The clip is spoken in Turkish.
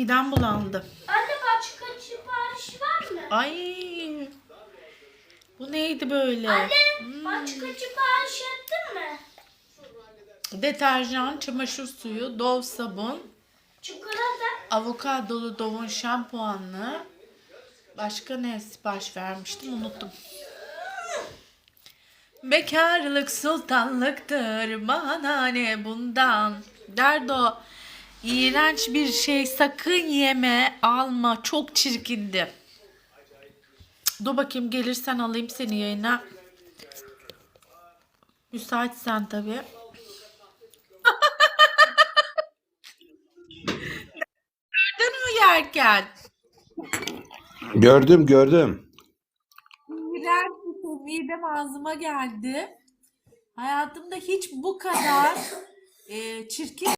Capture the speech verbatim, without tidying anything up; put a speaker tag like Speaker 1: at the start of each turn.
Speaker 1: midem bulandı.
Speaker 2: Anne başka sipariş var mı?
Speaker 1: Ay. Bu neydi böyle?
Speaker 2: Anne
Speaker 1: Hmm.
Speaker 2: başka sipariş ettin mi?
Speaker 1: Deterjan, çamaşır suyu, Dove sabun,
Speaker 2: Çikolata.
Speaker 1: avokadolu Dove'un şampuanlı. Başka ne sipariş vermiştim unuttum. Bekarlık sultanlıktır, bana ne bundan. Derdo, iğrenç bir şey, sakın yeme, alma, çok çirkindi. Dur bakayım, gelirsen alayım seni yayına. Müsaitsen tabii. Gördün mü yerken?
Speaker 3: Gördüm gördüm.
Speaker 1: İğrenç bir şey, midem ağzıma geldi. Hayatımda hiç bu kadar e, çirkin